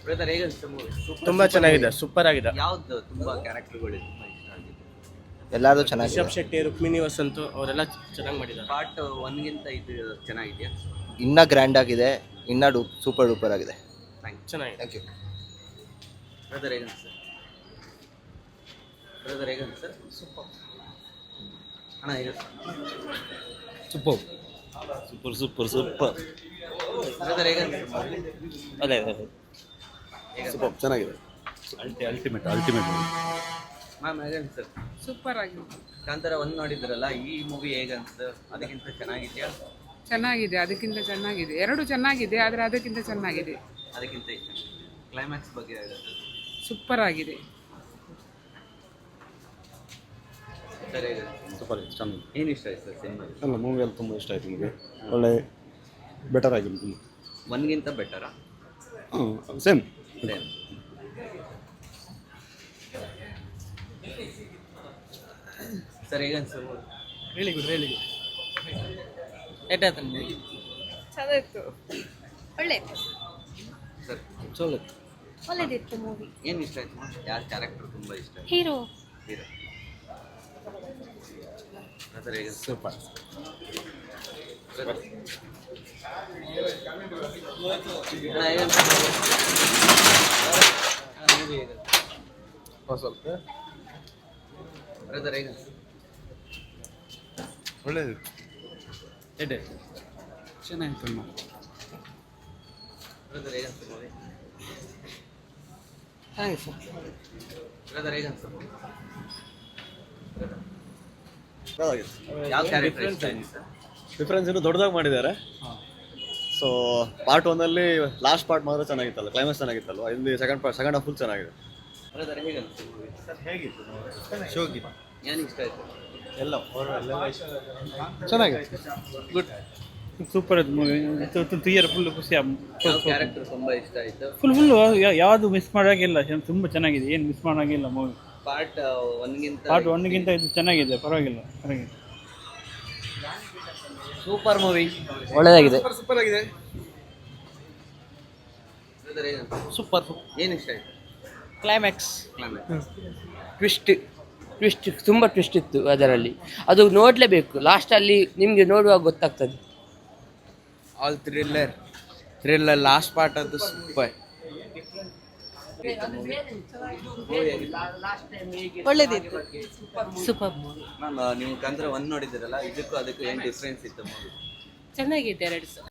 Brother ಹೇಗೆ ಅನ್ಸುತ್ತೆ movie? ತುಂಬಾ ಚೆನ್ನಾಗಿದೆ, ಸೂಪರ್ ಆಗಿದೆ. ಯಾವ್ದು ತುಂಬಾ ಕ್ಯಾರೆಕ್ಟರ್ಗಳು ತುಂಬಾ ಇಷ್ಟ ಆಗಿದೆ? ಎಲ್ಲಾರು ಚೆನ್ನಾಗಿದೆ. ರಿಷಬ್ ಶೆಟ್ಟಿ, ರುಕ್ಮಿಣಿ ವಸಂತ್ ಅವರೆಲ್ಲ ಚೆನ್ನಾಗಿ ಮಾಡಿದ್ದಾರೆ. ಪಾರ್ಟ್ 1 ಗಿಂತ ಇದು ಚೆನ್ನಾಗಿದೆಯಾ? ಇನ್ನ ಗ್ರ್ಯಾಂಡ್ ಆಗಿದೆ, ಇನ್ನ ಸೂಪರ್ ಡೂಪರ್ ಆಗಿದೆ. ಚೆನ್ನಾಗಿದೆ. Thank you. ಬ್ರದರ್ ಹೇಗೆ ಅನ್ಸುತ್ತೆ? ಬ್ರದರ್ ಹೇಗೆ ಅನ್ಸುತ್ತೆ? ಸೂಪರ್ ಅಣ್ಣ ಹೇಗೆ super super super super. Brother ಹೇಗೆ ಅನ್ಸುತ್ತೆ? ಅದೇ ಸೂಪರ್ ಚೆನ್ನಾಗಿದೆ. Ultimate ultimate. ಮ್ಯಾಮ್ ಹೇಗೆ ಅನ್ಸುತ್ತೆ? ಸೂಪರ್ ಆಗಿದೆ. ಕಾಂತಾರ 1 ನೋಡಿದ್ರಲ್ಲ, ಈ ಮೂವಿ ಹೇಗೆ ಅನ್ಸುತ್ತೆ? ಅದಕ್ಕಿಂತ ಚೆನ್ನಾಗಿದೆಯಾ? ಚೆನ್ನಾಗಿದೆ, ಅದಕ್ಕಿಂತ ಚೆನ್ನಾಗಿದೆ. ಎರಡು ಚೆನ್ನಾಗಿದೆ, ಆದರೆ ಅದಕ್ಕಿಂತ ಚೆನ್ನಾಗಿದೆ. ಅದಕ್ಕಿಂತ ಇಷ್ಟ. ಕ್ಲೈಮ್ಯಾಕ್ಸ್ ಬಗ್ಗೆ ಹೇಳುತ್ತೆ. ಸೂಪರ್ ಆಗಿದೆ. ಸರ್ ಹೇಗೆ? ಸೂಪರ್ ಚೆನ್ನಾಗಿ. ಏನು ಇಷ್ಟ ಆಯ್ತು ಸರ್ ಸಿನಿಮಾ? ಅಲ್ಲ ಮೂವಿ ಎಲ್ಲ ತುಂಬ ಇಷ್ಟ ಆಯಿತು ನಿಮಗೆ. ಒಳ್ಳೆ ಬೆಟರ್ ಆಗಿದೆ ತುಂಬ. 1 ಗಿಂತ ಬೆಟರಾ? ಸೇಮ್. ಸರ್ ಹೇಗೆ ಅನ್ಸುತ್ತೆ? Really good. ಚೆನ್ನಾಗಿತ್ತು, ಒಳ್ಳೆ ಸರ್ ಒಳ್ಳೆದಿತ್ತು ಮೂವಿ. ಏನು ಇಷ್ಟ ಆಯ್ತು? ಯಾರ ಕ್ಯಾರೆಕ್ಟರ್ ತುಂಬ ಇಷ್ಟ ಆಯ್ತು? Hero hero. ಸರ್ ಹೇಗೆ? ಸೂಪರ್. ಸ್ವಲ್ಪ ಬ್ರದರ್ ಹೇಗೆ? ಒಳ್ಳೆಯದು. ಚೆನ್ನಾಗಿತ್ತು. ಬ್ರದರ್ ಹೇಗೆ ಅನ್ಸುತ್ತೆ? Hi sir. ಬ್ರದರ್ ಹೇಗೆ ಅನ್ಸುತ್ತೆ? ಪರವಾಗಿಲ್ಲ. ಯಾವ ಕ್ಯಾರೆಕ್ಟರ್ ಇಷ್ಟ ಆಯ್ತು ಸರ್? ಡಿಫ್ರೆನ್ಸ್ ಇನ್ನೂ ದೊಡ್ಡದಾಗಿ ಮಾಡಿದ್ದಾರೆ. ಸೊ ಪಾರ್ಟ್ 1 ಲಾಸ್ಟ್ ಪಾರ್ಟ್ ಮಾತ್ರ ಚೆನ್ನಾಗಿತ್ತಲ್ಲ, ಕ್ಲೈಮ್ಯಾಕ್ಸ್ ಚೆನ್ನಾಗಿತ್ತಲ್ವ. ಇಲ್ಲಿ ಸೆಕೆಂಡ್ ಹಾಫ್ ಫುಲ್ ಚೆನ್ನಾಗಿದೆ. ಬ್ರದರ್ ಹೇಗೆ ಅನ್ಸುತ್ತೆ ಮೂವಿ? ಸರ್ ಹೇಗಿತ್ತು? ಶೋಗಿತ್ತು. ಏನು ಇಷ್ಟ ಆಯ್ತು? ಎಲ್ಲ ಚೆನ್ನಾಗಿದೆ. ಗುಡ್. ಸೂಪರ್ ಅದು ಮೂವಿ. ಥಿಯೇಟರ್ ಫುಲ್ ಖುಷಿ. ಯಾವ ಕ್ಯಾರೆಕ್ಟರ್ ತುಂಬ ಇಷ್ಟ ಆಯ್ತು? ಫುಲ್ ಯಾವುದು ಮಿಸ್ ಮಾಡೋಂಗಿಲ್ಲ, ತುಂಬ ಚೆನ್ನಾಗಿದೆ, ಏನು ಮಿಸ್ ಮಾಡೋಂಗಿಲ್ಲ ಮೂವಿ. ಪಾರ್ಟ್ 1 ಗಿಂತ ಪಾರ್ಟ್ 1 ಇದು ಚೆನ್ನಾಗಿದೆ, ಪರವಾಗಿಲ್ಲ. Super movie. ಒಳ್ಳೆದಾಗಿದೆ. ಸೂಪರ್ ಆಗಿದೆ. ಬ್ರದರ್ ಹೇಗೆ ಅನ್ಸುತ್ತೆ? ಸೂಪರ್. ಏನು ಇಷ್ಟ ಆಯ್ತು? Climax climax. ಟ್ವಿಸ್ಟ್ ತುಂಬ ಟ್ವಿಸ್ಟ್ ಇತ್ತು ಅದರಲ್ಲಿ. ಅದು ನೋಡಲೇಬೇಕು, ಲಾಸ್ಟಲ್ಲಿ ನಿಮಗೆ ನೋಡುವಾಗ ಗೊತ್ತಾಗ್ತದೆ. ಆಲ್ ಥ್ರಿಲ್ಲರ್ ಲಾಸ್ಟ್ ಪಾರ್ಟ್ ಅದು ಸೂಪರ್. ಒಳ್ಳೆದಿತ್ತು, ಸೂಪರ್. ಮ್ಯಾಮ್ ನೀವು ಕಾಂತಾರ 1 ನೋಡಿದ್ದೀರಲ್ಲ, ಇದಕ್ಕೂ ಅದಕ್ಕೂ ಏನು ಡಿಫ್ರೆನ್ಸ್ ಇತ್ತು ಮೂವಿ? ಚೆನ್ನಾಗಿದೆ ಎರಡು ಸಹ.